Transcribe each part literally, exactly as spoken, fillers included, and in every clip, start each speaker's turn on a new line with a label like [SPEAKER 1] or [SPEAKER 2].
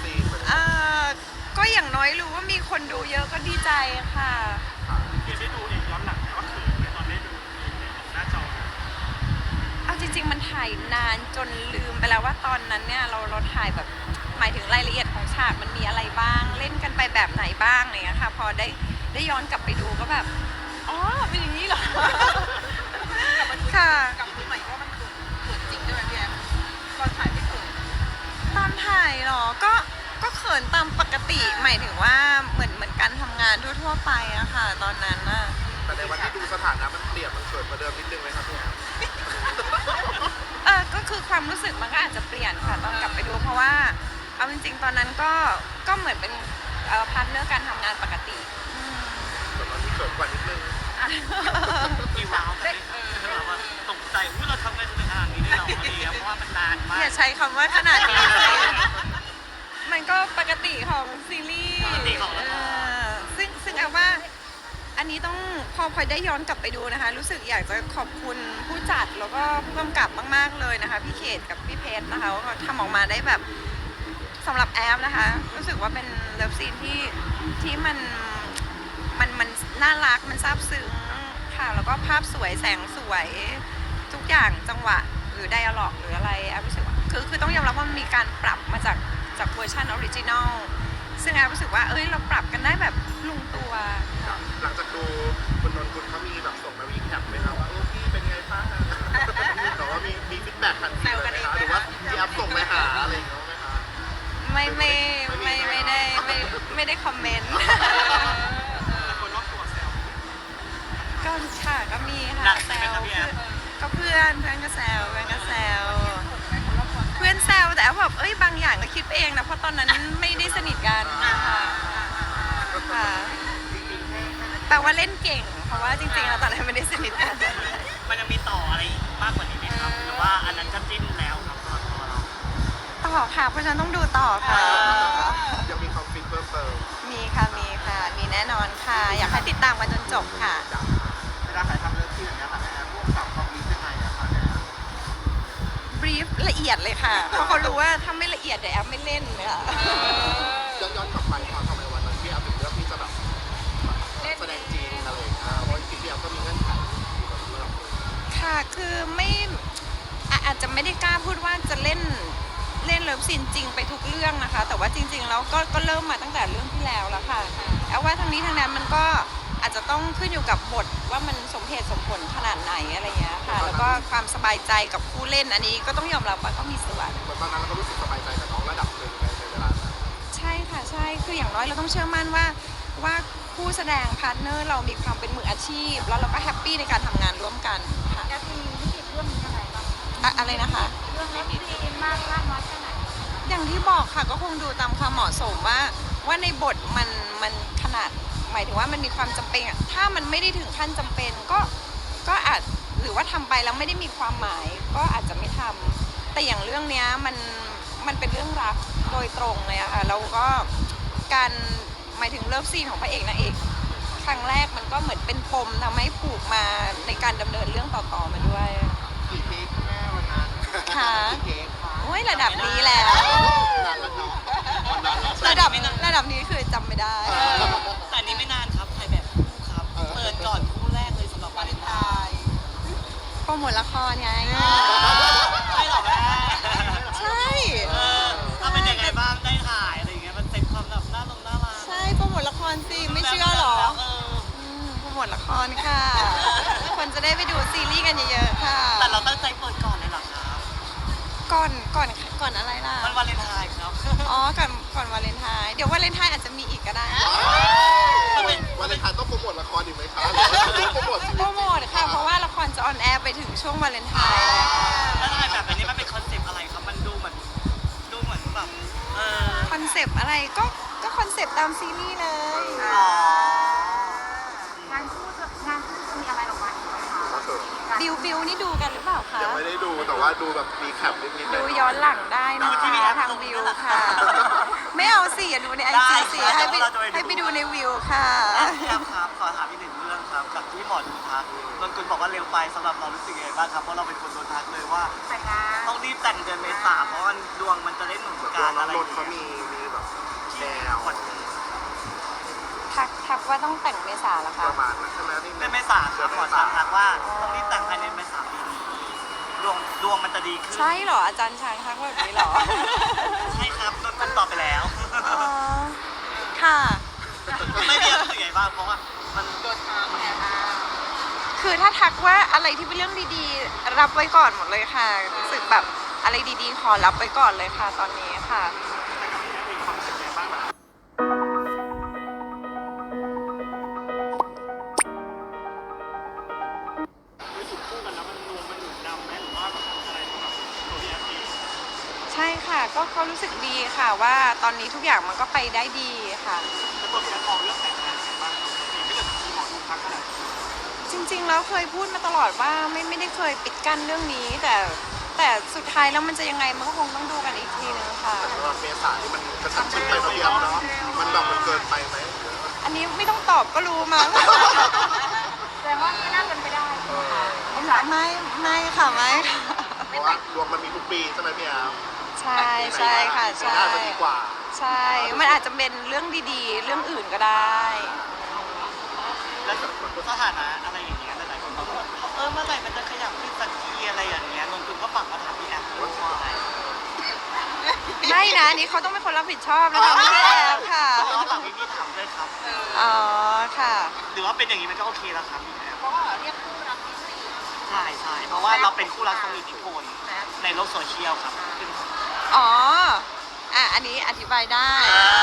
[SPEAKER 1] ซีนมัน
[SPEAKER 2] อ่าก็อย่างน้อยรู้ว่ามีคนดูเยอะก็ดีใจค่ะ
[SPEAKER 3] พี่ได้ดูเองย้อนหลังว่าเขินไหมตอนได้ดูหน้าจอ
[SPEAKER 2] เอาจริงๆมันถ่ายนานจนลืมไปแล้วว่าตอนนั้นเนี่ยเราเราถ่ายแบบหมายถึงรายละเอียดของฉากมันมีอะไรบ้างเล่นกันไปแบบไหนบ้างอะไรเงี้ยค่ะพอได้ได้ย้อนกลับไปดูก็แบบอ๋อเป็นอย่างนี้เหรอค่ะ
[SPEAKER 4] กับคุณใหม่ว่ามันเกิดเกิดจริงด้วยไหมพี่แอฟตอนถ่ายไม่เกิด
[SPEAKER 2] ตอนถ่ายเหรอก็ก็เขินตามปกติหมายถึงว่าเหมือนเหมือนการทำงานทั่วๆไปอะค่ะตอนนั้นอะ
[SPEAKER 1] แต่ในวันที่ดูสถานะมันเปลี่ยนมันเกิดมาเดิมนิดนึงไหมครับพี่แอม
[SPEAKER 2] เออก็คือความรู้สึกมันก็อาจจะเปลี่ยนค่ะตอนกลับไปดูเพราะว่าเอาจริงๆตอนนั้นก็ก็เหมือนเป็นเอ่อพาร์ทเนอร์การทำงานปกติ
[SPEAKER 1] แต่ตอนที่เกิดกว่านิดนึง
[SPEAKER 3] มีว้าวแต่แบบว่าตกใจว่าเราทำไงถึงขนาดนี้ได้หรอเนี่ยเพราะว่ามันนานมาก
[SPEAKER 2] อย่าใช้คำว่าขนาดนี้มันก็ปกติของซีรีส์ซึ่งซึ่งเอาว่าอันนี้ต้องพอพลอยได้ย้อนกลับไปดูนะคะรู้สึกอยากจะขอบคุณผู้จัดแล้วก็ผู้กำกับมากๆเลยนะคะพี่เขตกับพี่เพชรนะคะว่าเขาทำออกมาได้แบบสำหรับแอฟนะคะรู้สึกว่าเป็นเลิฟซีนที่ที่มันมันมันน่ารักมันซาบซึ้งค่ะแล้วก็ภาพสวยแสงสวยทุกอย่างจังหวะหรือไดอะล็อกหรืออะไรแอฟรู้สึกว่าคือคือต้องยอมรับว่ามันมีการปรับมาจากจากเวอร์ชันออริจินอลซึ่งแอฟรู้สึกว่าเอ้ยเราปรับกันได้แบบลงตัว
[SPEAKER 1] หลังจากดูคุณนนท์คุณเขามีแบบส่งมาวีแคปไหมครับว่าโอ้พี่เป็นไงบ้างแต่ว่ามีมีฟีดแบ็กทันทีเลยนะคะหรือว่าพี่แอฟส่งไปหาอะไรอย่างเงี้ยไหมคะ
[SPEAKER 2] ไม่ไม่ไม่ไม่ได้ไม่ไม่ได้คอมเมนต์
[SPEAKER 3] คนรอบตัวแซว
[SPEAKER 2] ก็ค่ะก็มีค่ะแซวก็เพื่อนเพื่อนก็แซวเพื่อนก็แซวเพื่อนแซวแต่แบบเอ้ยบางอย่างก็คิดไปเองนะเพราะตอนนั้นไม่ได้สนิทกันค่ะค่ะแปลว่าเล่นเก่งเพราะว่าจริงๆเราตอนนั้นไม่ได้สนิทกัน
[SPEAKER 3] มันยังมีต่ออะไรมากกว่านี้ไหมครับหรือว่าอันนั้นจะจิ้นแล้วครับสำหรับตัวเรา
[SPEAKER 2] ต่อค่ะเพราะฉะนั้นต้องดูต่อค่ะ
[SPEAKER 1] ยังมีคอมฟิตเพิ่มเติม
[SPEAKER 2] มีค่ะมีค่ะมีแน่นอนค่ะอยากให้ติดตามกันจนจบค่ะ
[SPEAKER 1] เวลาถ่ายทำเรื่องที่อย่างเงี้ยค่ะแอมพวกสาวคอมฟิตยังไงอะคะเนี่ย
[SPEAKER 2] บรีฟละเอียดเลยค่ะเพราะเขารู้ว่าถ้าไม่ละเอียดเดี๋ยวแอมไม่เล่นเลยค่ะ
[SPEAKER 1] ย้อนย้อนกลับไปตอนทำไมวันนั้นพี่แอมถึงเลือกที่จะแบบแสดงจริงอะไรอย่างเงี้ยเพราะจริงๆพี่แอมก็มีเงื่อนไข
[SPEAKER 2] ค่ะคือไม่อาจจะไม่ได้กล้าพูดว่าจะเล่นเล่นเลิฟซีนจริงไปทุกเรื่องนะคะแต่ว่าจริงๆแล้วก็ก็เริ่มมาตั้งแต่เรื่องที่แล้วแล้วค่ะแอบว่าทั้งนี้ทั้งนั้นมันก็อาจจะต้องขึ้นอยู่กับบทว่ามันสมเหตุสมผลขนาดไหนอะไรเงี้ยค่ะแล้วก็ความสบายใจกับผู้เล่นอันนี้ก็ต้องยอมรับว่าก็มีส่วน
[SPEAKER 1] ตอนนั้นเราก็รู้สึกสบายใจกับน้องระดับหนึ่งในเวลานั้น
[SPEAKER 2] ใช่ค่ะใช่คืออย่างน้อยเราต้องเชื่อมั่นว่าว่าผู้แสดงพาร์ทเนอร์เรามีความเป็นมืออาชีพแล้วเราก็แฮปปี้ในการทำงานร่วมกันค่ะ
[SPEAKER 4] แอฟมีวิกฤตเรื่องนี้อะไรบ้าง
[SPEAKER 2] อะไรนะคะ
[SPEAKER 4] เรื่องนี้ดีมากมากน้อยแค่ไหน
[SPEAKER 2] อย่างที่บอกค่ะก็คงดูตามความเหมาะสมว่าว่าในบทมันมันขนาดหมายถึงว่ามันมีความจำเป็นถ้ามันไม่ได้ถึงขั้นจำเป็นก็ก็อาจหรือว่าทำไปแล้วไม่ได้มีความหมายก็อาจจะไม่ทำแต่อย่างเรื่องนี้มันมันเป็นเรื่องรักโดยตรงเลยอะค่ะแล้วก็การหมายถึงเลิฟซีนของพระเอกนางเอกครั้งแรกมันก็เหมือนเป็นปมทำให้ผูกมาในการดำเนินเรื่องต่อๆมาด้วย
[SPEAKER 1] กี่เทคแม่วันนั้น
[SPEAKER 2] ค่ะ
[SPEAKER 1] กี่เทค
[SPEAKER 2] โอ้ยระดับนี้แล้วระดับระดับนี้คือจำไม่ได้
[SPEAKER 3] แต่นี้ไม่นานครับถ่ายแบบคู่ครับเปิดก่อนคู่แรกเลยสำหรับวาเลนไทน์
[SPEAKER 2] โปรโมทละครไง
[SPEAKER 3] ใช่หรอแม่
[SPEAKER 2] ใช่
[SPEAKER 3] ถ้าเป็นยังไงบ้างได้ถ่ายอะไรอย่างเงี้ยมันเต็มความแบบน่าลงน่ารัก
[SPEAKER 2] ใช่โปรโมทละครสิไม่เชื่อหรอโปรโมทละครค่ะคนจะได้ไปดูซีรีส์กันเยอะๆค่ะ
[SPEAKER 3] แต่เราตั้งใจเปิดก่อนเลยหรอครับ
[SPEAKER 2] ก่อนก่อนก่อนอะไรล่ะ
[SPEAKER 3] วันวาเลนไทน์ครับ
[SPEAKER 2] อ๋อก่อนก่อนวาเลนไทน์เดี๋ยววาเลนไทน์อาจจะมีอีกก็ได้
[SPEAKER 1] วาเลนไทน์ต้องโปรโมทละครอีกไหมคะโปรโมท
[SPEAKER 2] โปรโมทค่ะเพราะว่าละครจะออนแอร์ไปถึงช่วงวาเลนไทน์
[SPEAKER 3] แล้วถ่ายแบบนี้มันเป็นคอนเซปต์อะไรครับมันดูเหมือนดูเหมือนแบบ
[SPEAKER 2] คอนเซปต์อะไรก็ก็คอนเซปต์ตามซีรีส์เลย
[SPEAKER 4] งานคู่งานคู่จะมีอะไรออกมาอีกไหมคะ
[SPEAKER 2] บิวบิวนี่ดูกันหรือเปล่าคะ
[SPEAKER 1] ยังไม่ได้ดูแต่ว่าดูแบบมีแคปนิดๆ
[SPEAKER 2] ดูย้อนหลังได้นะคะทางวิวค่ะไม่เอาสิอย่าดูในไอจีสิให้ไปให้ไปดูในวิวค่ะ
[SPEAKER 3] ครับครับขอถามอีกหนึ่งเรื่องครับกับที่หมอดูทักนนกุลบอกว่าเร็วไปสำหรับเรารู้สึกยังไงบ้างครับเพราะเราเป็นคนโดนทักเลยว่าต้องรีบแต่งเดือนเมษาเพราะว่าดวงมันจะได้หนุนการอะไรอย่างเงี้ย
[SPEAKER 1] เขามีมีแบบ
[SPEAKER 2] ทักทักว่าต้องแต่งเมษาเหรอ
[SPEAKER 1] ป
[SPEAKER 2] คะ
[SPEAKER 1] ระมาณนั้นใช่ไหมที่
[SPEAKER 3] เป็นเมษาครับหมอช้างทักว่าต้องรีบแต่งภายในเมษาปีนี้ดวงดวงมันจะดีขึ้น
[SPEAKER 2] ใช่เหรออาจารย์ช้างทักแบบนี้เหรอ
[SPEAKER 3] ใช่ครับนนท์มันตอบไปแล้ว
[SPEAKER 2] อ๋อค่ะ
[SPEAKER 3] ไม่มีอะไรใหญ่บ้างเพราะว่ามัน
[SPEAKER 4] โดนทางแอบอ้าง
[SPEAKER 2] คือถ้าทักว่าอะไรที่เป็นเรื่องดีๆ รับไว้ก่อนหมดเลยค่ะรู้สึกแบบอะไรดีๆ ขอรับไว้ก่อนเลยค่ะ ตอนนี้ค่ะ
[SPEAKER 3] มีความรู้สึกไงบ้างแบบ
[SPEAKER 2] ใช่ค่ะก็ก็รู้สึกดีค่ะว่าตอนนี้ทุกอย่างมันก็ไปได้ดีค่ะ
[SPEAKER 3] แล้วตัวพี่แอฟมองเรื่องแต่งงานยังไงบ้างครับพี่ไม่เกิดมีหมอดูทักขนาดนี้
[SPEAKER 2] จริงๆแล้วเคยพูดมาตลอดว่าไม่ไม่ได้เคยปิดกั้นเรื่องนี้ แต่แต่สุดท้ายแล้วมันจะยังไงมันก็คงต้องดูกันอีกทีนึงค่ะ
[SPEAKER 1] แต่ว่าเมษาที่มันกระชั้นชิดไปพอดีเนาะมันแบบมันเกินไปไหม
[SPEAKER 2] อันนี้ไม่ต้องตอบก็รู้มั้ง
[SPEAKER 4] แสดงว่าไม่น่าเป็นไปได้
[SPEAKER 1] เออ
[SPEAKER 2] ไม่ไม่ค่ะไม่ค่ะ
[SPEAKER 1] เพราะว่าดวงมันมีทุกปีใช่ไหมพี่แอฟ
[SPEAKER 2] ใช่ใช่ค่ะใช่
[SPEAKER 1] น่าจะดีกว่า
[SPEAKER 2] ใช่ มันอาจจะเป็นเรื่องดีๆ เรื่องอื่นก็ได้
[SPEAKER 3] แล้วสถานะอะไรอย่างเงี้ยหลายๆคนบอกว่าเออเมื่อไหร่มันจะขยับขึ้นสักทีอะไรอย่างเงี้ยนนท์คุณก็ฝากมาถามพี่แอฟด้วยว่า
[SPEAKER 2] ไม่นะอันนี้เขาต้องเป็นคนรับผิดชอบนะคะไม่ใช่แอบค่ะ
[SPEAKER 3] เพราะว่าฝากพี่พี่ถามด้วยครับ
[SPEAKER 2] อ๋อค่ะ
[SPEAKER 3] หรือว่าเป็นอย่างนี้มันก็โอเคแล้วครับพี่แอฟ
[SPEAKER 4] เพราะว่าเรียกคู่รักที่สี่
[SPEAKER 3] ใช่ใช่เพราะว่าเราเป็นคู่รักทรงอิทธิพลในโลกโซเชียลครับ
[SPEAKER 2] อ๋อ อ่ะ อันนี้อธิบายได้
[SPEAKER 3] อ่า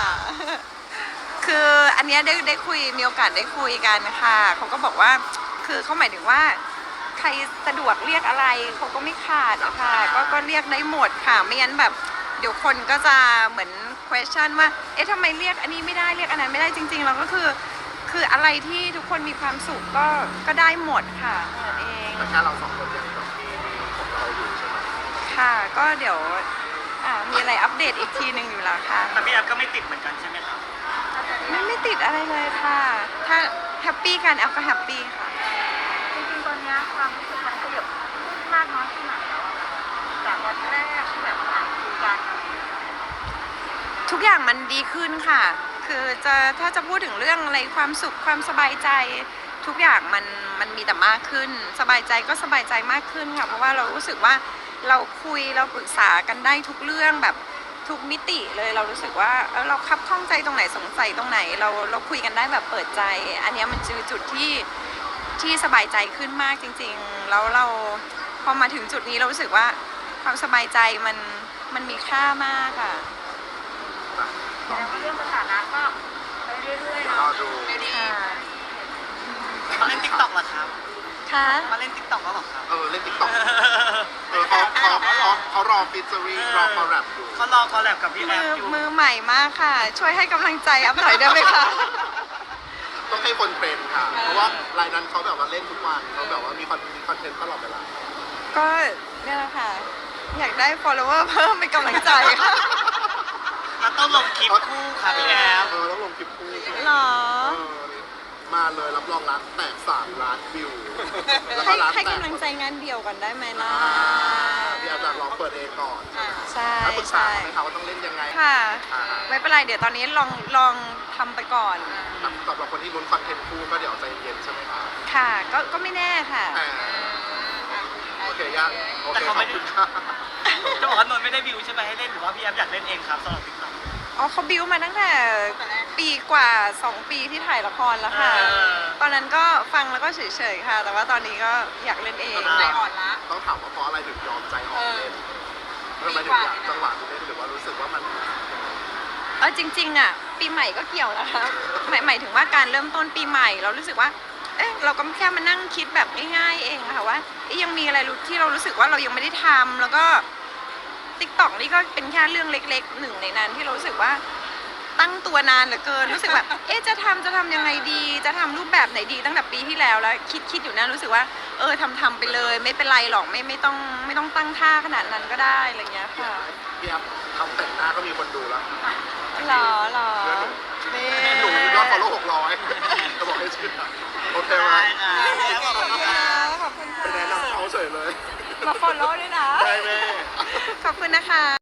[SPEAKER 2] คืออันเนี้ยได้ได้คุยมีโอกาสได้คุยกันค่ะเขาก็บอกว่า คือเขาหมายถึงว่า ใครสะดวกเรียกอะไรเขาก็ไม่ขาดอะค่ะ ก็ก็เรียกได้หมดค่ะ ไม่งั้นแบบ เดี๋ยวคนก็จะเหมือน question ว่า เอ๊ะทำไมเรียกอันนี้ไม่ได้เรียกอันนั้นไม่ได้จริงๆเราก็คือ คืออะไรที่ทุกคนมีความสุขก็ก็ได้หมดค่ะนั่นเอง
[SPEAKER 1] แต่แค่เราสองคนยังแบบมีของเราอยู่ใช่ไหม
[SPEAKER 2] ค่ะ ก็เดี๋ยวอ่ามีอะไรอัปเดตอีกทีหนึ่งอยู่แล้วค่ะ
[SPEAKER 3] แต่พี่แอฟก็ไม่ติดเหมือนกันใช่ไหมครับ
[SPEAKER 2] ไม่ไม่ติดอะไรเลยค่ะ ถ้าแฮปปี้กันแอฟก็แฮปปี้ค่ะ
[SPEAKER 4] จริงๆตอนนี้ความรู้สึกมันขยับขึ้นมากน้อยแค่ไหนแล้วอะจากวันแรกที่แบบอ่านคุยกัน
[SPEAKER 2] ทุกอย่างมันดีขึ้นค่ะ คือจะถ้าจะพูดถึงเรื่องอะไรความสุขความสบายใจ ทุกอย่างมันมันมีแต่มากขึ้น สบายใจก็สบายใจมากขึ้นค่ะ เพราะว่าเรารู้สึกว่าเราคุยเราปรึกษากันได้ทุกเรื่องแบบทุกมิติเลยเรารู้สึกว่าเออเราคับข้องใจตรงไหนสงสัยตรงไหน เราเราคุยกันได้แบบเปิดใจ อันเนี้ยมันคือจุดที่ที่สบายใจขึ้นมากจริงๆแล้วเราพอมาถึงจุดนี้เรารู้สึกว่าความสบายใจมันมันมีค่ามากค่ะ
[SPEAKER 4] แสดงว่าเรื่องสถานะก็ไปเรื่อยๆ
[SPEAKER 1] รอ
[SPEAKER 4] เนาะ
[SPEAKER 1] ดู
[SPEAKER 4] ไปดี
[SPEAKER 2] ค่ะ
[SPEAKER 3] มาเล่นติ๊กต็อกเหรอครับ
[SPEAKER 2] ค่ะ
[SPEAKER 3] มาเล่นติ๊กต็อกแล้วเหรอครับ
[SPEAKER 1] เออเล่นติ๊กต็อกเออเขาเขาเขาเขารอฟิชเจอรี่รอคอลแลบอยู่
[SPEAKER 3] เขารอคอลแลบกับพี่แอ
[SPEAKER 2] มื
[SPEAKER 3] ฟ
[SPEAKER 2] อ
[SPEAKER 3] อยู่
[SPEAKER 2] มือใหม่มากค่ะ ช่วยให้กำลังใจอัพหน่อยได้ไหมคะ
[SPEAKER 1] ต้องให้คนเป็นค่ะ เพราะว่ารายนั้นเขาแบบว่าเล่นทุกวันเขาแบบว่ามีคอนมีคอนเทนต์ตลอดเวลา
[SPEAKER 2] ก็เนี่ยแหละค่ะ อยากได้ follower เพิ่มเป็นกำลังใจค่ะ
[SPEAKER 3] แล้วต้องลงคลิปคู่ค่ะพี่แอฟ
[SPEAKER 1] เออแล้วลงคลิปคู่
[SPEAKER 2] หรอ
[SPEAKER 1] เออมาเลยรับรองร้านแตกสามล้านวิว แล้วก็
[SPEAKER 2] ให้
[SPEAKER 1] ร้าน
[SPEAKER 2] ให้
[SPEAKER 1] แตก
[SPEAKER 2] กำลังใจงานเดียวก่อนได้ไหมล่ะ
[SPEAKER 1] อ่าพี่อาจารย์ลองเปิดเองก่อน
[SPEAKER 2] ใช่
[SPEAKER 1] แล้วปรึกษา
[SPEAKER 2] ใช่
[SPEAKER 1] ไหมคะว่าต้องเล่นยังไง
[SPEAKER 2] ค่ะ
[SPEAKER 1] อ่า
[SPEAKER 2] ไม่เป็นไรเดี๋ยวตอนนี้ลองลองทำไปก่อน
[SPEAKER 1] สำหรับคนที่ลุ้นคอนเทนต์คู่ก็เดี๋ยวใจเย็นใช่ไหมคะ
[SPEAKER 2] ค่ะ ก็ก็ไม่แน่ค่ะ
[SPEAKER 1] อ่าโอเคย่าโอ
[SPEAKER 3] แต่
[SPEAKER 1] เค
[SPEAKER 3] เขา
[SPEAKER 1] ขอ
[SPEAKER 3] ไม่
[SPEAKER 1] บ
[SPEAKER 3] ได้
[SPEAKER 1] คุณค่ะ
[SPEAKER 3] จะบอกว่านนท์ไม่ได้วิวใช่ไหมให้เล่นหรือว่าพี่แอฟอยากเล่นเองครับสำหรับติ๊กต็อก
[SPEAKER 2] อ๋อเขาบิวมาตั้งแต่ปีกว่าสองปีที่ถ่ายละครแล้วค่ะ
[SPEAKER 3] เออ
[SPEAKER 2] ตอนนั้นก็ฟังแล้วก็เฉยๆค่ะ แต่ว่าตอนนี้ก็อยากเล่นเอง
[SPEAKER 4] ใจอ่อนละ
[SPEAKER 1] ต้องถามว่าเพราะอะไรถึงยอมใจอ่อนเล่นทำไมถึงอยากจังหวะนี้เล่นหรือว่ารู้สึกว่ามัน
[SPEAKER 2] เออจริงๆอ่ะปีใหม่ก็เกี่ยวนะคะหมายหมายถึงว่าการเริ่มต้นปีใหม่ เรารู้สึกว่า เอ๊ะเราก็แค่มานั่งคิดแบบง่ายๆเองค่ะว่าเอ๊ะยังมีอะไรรู้ที่เรารู้สึกว่าเรายังไม่ได้ทำแล้วก็ติ๊กต็อกนี่ก็เป็นแค่เรื่องเล็กๆหนึ่งในนั้นที่เรารู้สึกว่าตั้งตัวนานเหลือเกินรู้สึกแบบ เอ๊ะจะทำจะทำยังไงดี จะทำรูปแบบไหนดีตั้งแต่ปีที่แล้วแล้วคิดคิดอยู่นะรู้สึกว่าเออทำทำไปเลย ไม่เป็นไรหรอกไม่ไม่ต้องไม่ต้องตั้งท่าขนาดนั้นก็ได้อะไรอย่างเงี้ยค่ะ
[SPEAKER 1] พี่แอฟทำแต่งหน้าก็มีคนดูแล้ว
[SPEAKER 2] หรอหรอ
[SPEAKER 1] เพื่อนหนู
[SPEAKER 2] นี่
[SPEAKER 1] หนูยอดฟอลโล่หกร้อยจะบอกให้ชื่อโอเคไหม
[SPEAKER 3] ได้ค่ะพี่แอฟขอบคุณค่ะ
[SPEAKER 2] ขอบคุณ
[SPEAKER 1] ไปแนะ
[SPEAKER 2] ค่ะ
[SPEAKER 1] นำเขาเฉยเลย
[SPEAKER 2] มาฟอลโล่ด้วยนะ
[SPEAKER 1] ได้แม่
[SPEAKER 2] ขอบคุณนะคะ